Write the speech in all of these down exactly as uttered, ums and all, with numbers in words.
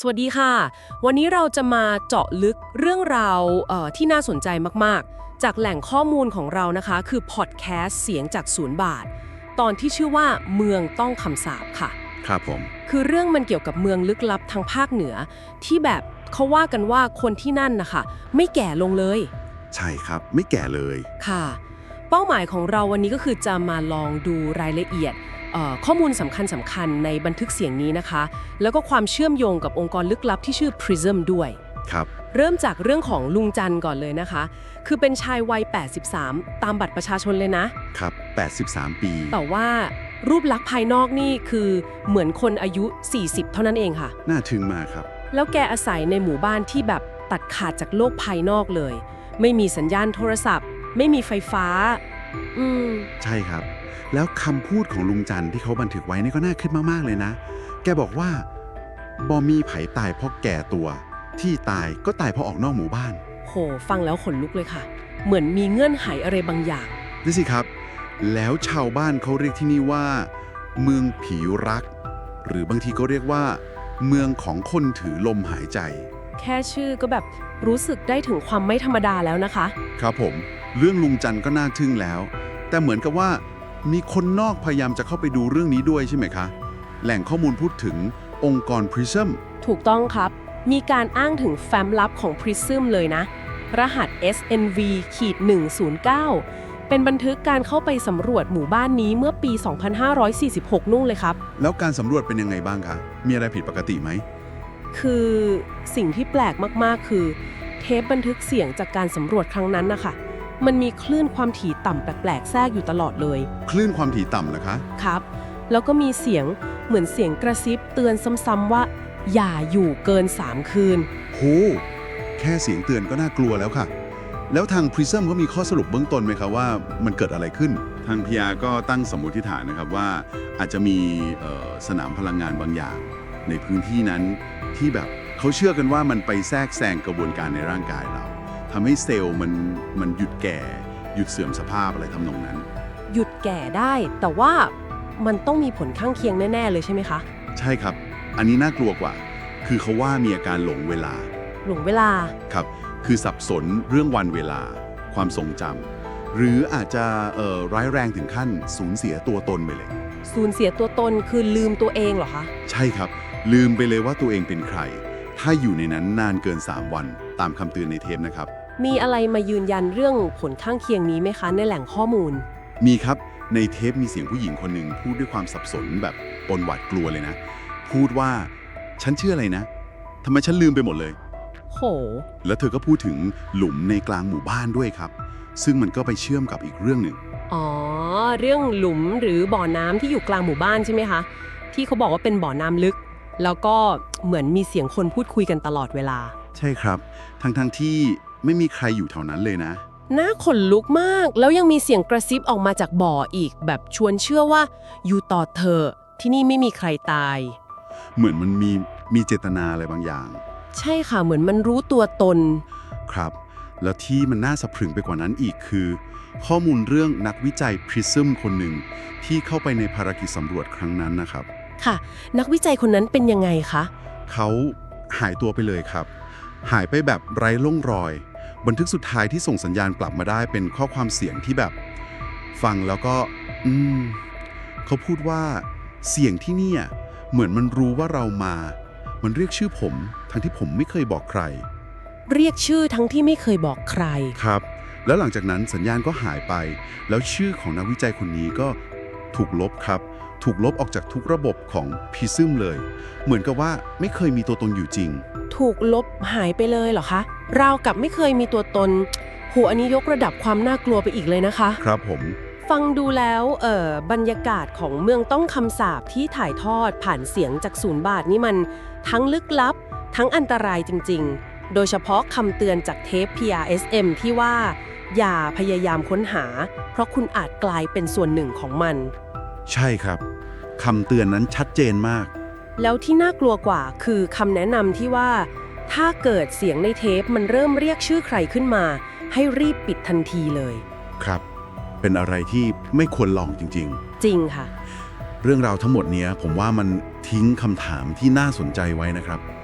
สวัสดีค่ะ วันนี้เราจะมาเจาะลึกเรื่องราวเอ่อที่น่าสนใจมากๆ จากแหล่งข้อมูลของเรานะคะ คือพอดแคสต์เสียงจากศูนย์บาท ตอนที่ชื่อว่าเมืองต้องคำสาปค่ะครับผมคือเรื่องมันเกี่ยวกับเมืองลึกลับทางภาคเหนือ ที่แบบเขาว่ากันว่าคนที่นั่นนะคะไม่แก่ลงเลยใช่ครับไม่แก่เลยค่ะ เป้าหมายของเราวันนี้ก็คือจะมาลองดูรายละเอียดเอ่อข้อมูลสำคัญสำคัญในบันทึกเสียงนี้นะคะ แล้วก็ความเชื่อมโยงกับองค์กรลึกลับที่ชื่อ Prism ด้วยครับเริ่มจากเรื่องของลุงจันทร์ก่อนเลยนะคะ คือเป็นชายวัย แปดสิบสาม ตามบัตรประชาชนเลยนะครับ แปดสิบสาม ปีแต่ว่ารูปลักษณ์ภายนอกนี่คือเหมือนคนอายุ สี่สิบ เท่านั้นเองค่ะน่าทึ่งมากครับแล้วแกอาศัยในหมู่บ้านที่แบบตัดขาดจากโลกภายนอกเลย ไม่มีสัญญาณโทรศัพท์ ไม่มีไฟฟ้า อืมใช่ครับ แล้วคำพูดของลุงจันทร์ที่เขาบันทึกไว้นี่ก็น่าคิดมากๆเลยนะ แกบอกว่าบอมีไผตายเพราะแก่ตัว ที่ตายก็ตายเพราะออกนอกหมู่บ้านโห ฟังแล้วขนลุกเลยค่ะ เหมือนมีเงื่อนไขอะไรบางอย่างนี่สิครับ แล้วชาวบ้านเขาเรียกที่นี่ว่า เมืองผีรัก หรือบางทีก็เรียกว่า เมืองของคนถือลมหายใจแค่ชื่อก็แบบรู้สึกได้ถึงความไม่ธรรมดาแล้วนะคะครับผม เรื่องลุงจันทร์ก็น่าทึ่งแล้ว แต่เหมือนกับว่ามีคนนอกพยายามจะเข้าไปดูเรื่องนี้ด้วยใช่ไหมคะ แหล่งข้อมูลพูดถึงองค์กร Prism ถูกต้องครับ มีการอ้างถึงแฟ้มลับของ Prism เลยนะ รหัส เอส เอ็น วี หนึ่งศูนย์เก้า เป็นบันทึกการเข้าไปสำรวจหมู่บ้านนี้เมื่อปี สองพันห้าร้อยสี่สิบหก นู่นเลยครับแล้วการสำรวจเป็นยังไงบ้างคะ มีอะไรผิดปกติไหมคือสิ่งที่แปลกมากๆ คือ เทปบันทึกเสียงจากการสำรวจครั้งนั้นนะคะมันมีคลื่นความถี่ต่ำแปลกๆแทรกอยู่ตลอดเลยคลื่นความถี่ต่ำเหรอคะครับ แล้วก็มีเสียงเหมือนเสียงกระซิบเตือนซ้ำๆว่า อย่าอยู่เกิน สาม คืนโห แค่เสียงเตือนก็น่ากลัวแล้วค่ะ แล้วทาง Prism ก็มีข้อสรุปเบื้องต้นไหมครับว่ามันเกิดอะไรขึ้น ทาง พี อาร์ ก็ตั้งสมมติฐานนะครับว่าอาจจะมีเอ่อสนามพลังงานบางอย่าง ในพื้นที่นั้นที่แบบเขาเชื่อกันว่ามันไปแทรกแซงกระบวนการในร่างกายเราทำให้เซลล์มันมันหยุดแก่ หยุดเสื่อมสภาพอะไรทำนองนั้นหยุดแก่ได้ แต่ว่ามันต้องมีผลข้างเคียงแน่ๆเลยใช่ไหมคะใช่ครับ อันนี้น่ากลัวกว่า คือเขาว่ามีอาการหลงเวลาหลงเวลาครับ คือสับสนเรื่องวันเวลา ความทรงจำหรืออาจจะเอ่อร้ายแรงถึงขั้นสูญเสียตัวตนไปเลยสูญเสียตัวตนคือลืมตัวเองเหรอคะใช่ครับ ลืมไปเลยว่าตัวเองเป็นใคร ถ้าอยู่ในนั้นนานเกิน สาม วัน ตามคำเตือนในเทปนะครับมีอะไรมายืนยันเรื่องผลข้างเคียงนี้ไหมคะในแหล่งข้อมูลมีครับ ในเทปมีเสียงผู้หญิงคนหนึ่งพูดด้วยความสับสนแบบปนหวาดกลัวเลยนะ พูดว่าฉันชื่ออะไรนะทำไมฉันลืมไปหมดเลยโหแล้วเธอก็พูดถึงหลุมในกลางหมู่บ้านด้วยครับ ซึ่งมันก็ไปเชื่อมกับอีกเรื่องหนึ่งอ๋อ เรื่องหลุมหรือบ่อน้ำที่อยู่กลางหมู่บ้านใช่ไหมคะ ที่เขาบอกว่าเป็นบ่อน้ำลึก แล้วก็เหมือนมีเสียงคนพูดคุยกันตลอดเวลาใช่ครับ ทั้งๆทที่ไม่มีใครอยู่แถวนั้นเลยนะน่าขนลุกมาก แล้วยังมีเสียงกระซิบออกมาจากบ่ออีก แบบชวนเชื่อว่าอยู่ต่อเถอะที่นี่ไม่มีใครตายเหมือนมันมีมีเจตนาอะไรบางอย่างใช่ค่ะ เหมือนมันรู้ตัวตนครับ แล้วที่มันน่าสะพรึงไปกว่านั้นอีกคือ ข้อมูลเรื่องนักวิจัย Prism คนหนึ่งที่เข้าไปในภารกิจสำรวจครั้งนั้นนะครับค่ะ นักวิจัยคนนั้นเป็นยังไงคะเขาหายตัวไปเลยครับ หายไปแบบไร้ร่องรอย บันทึกสุดท้ายที่ส่งสัญญาณกลับมาได้เป็นข้อความเสียงที่แบบ ฟังแล้วก็ อืม เขาพูดว่าเสียงที่เนี่ยเหมือนมันรู้ว่าเรามา มันเรียกชื่อผม ทั้งที่ผมไม่เคยบอกใครเรียกชื่อทั้งที่ไม่เคยบอกใครครับ แล้วหลังจากนั้นสัญญาณก็หายไป แล้วชื่อของนักวิจัยคนนี้ก็ถูกลบครับ ถูกลบออกจากทุกระบบของ Prism เลย เหมือนกับว่าไม่เคยมีตัวตนอยู่จริงถูกลบหายไปเลยเหรอคะ ราวกับไม่เคยมีตัวตนโหอันนี้ยกระดับความน่ากลัวไปอีกเลยนะคะครับผมฟังดูแล้วเอ่อบรรยากาศของเมืองต้องคำสาปที่ถ่ายทอดผ่านเสียงจากศูนย์บาทนี่มันทั้งลึกลับ ทั้งอันตรายจริงๆ โดยเฉพาะคำเตือนจากเทป พี อาร์ เอส เอ็ม ที่ว่า อย่าพยายามค้นหา เพราะคุณอาจกลายเป็นส่วนหนึ่งของมันใช่ครับคำเตือนนั้นชัดเจนมากแล้วที่น่ากลัวกว่าคือคำแนะนำที่ว่า ถ้าเกิดเสียงในเทปมันเริ่มเรียกชื่อใครขึ้นมา ให้รีบปิดทันทีเลยครับ เป็นอะไรที่ไม่ควรลองจริงจริงค่ะๆ เรื่องราวทั้งหมดเนี้ยผมว่ามันทิ้งคำถามที่น่าสนใจไว้นะครับ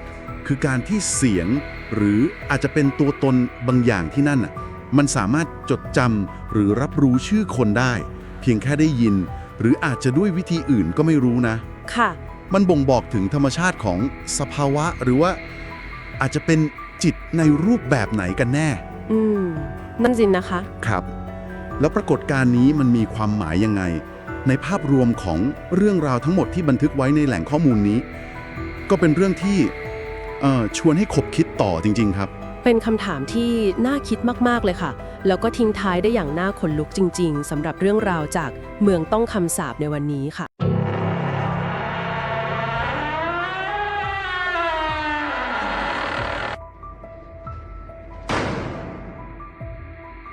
คือการที่เสียงหรืออาจจะเป็นตัวตนบางอย่างที่นั่นอ่ะมันสามารถจดจำหรือรับรู้ชื่อคนได้ เพียงแค่ได้ยิน หรืออาจจะด้วยวิธีอื่นก็ไม่รู้นะค่ะมันบ่งบอกถึงธรรมชาติของสภาวะหรือว่าอาจจะเป็นจิตในรูปแบบไหนกันแน่อืม นั่นสินะคะครับ แล้วปรากฏการณ์นี้มันมีความหมายยังไง ในภาพรวมของเรื่องราวทั้งหมดที่บันทึกไว้ในแหล่งข้อมูลนี้ ก็เป็นเรื่องที่เอ่อชวนให้คบคิดต่อจริงๆครับเป็นคำถามที่น่าคิดมากๆเลยค่ะ แล้วก็ทิ้งท้ายได้อย่างน่าขนลุกจริงๆสำหรับเรื่องราวจากเมืองต้องคำสาปในวันนี้ค่ะ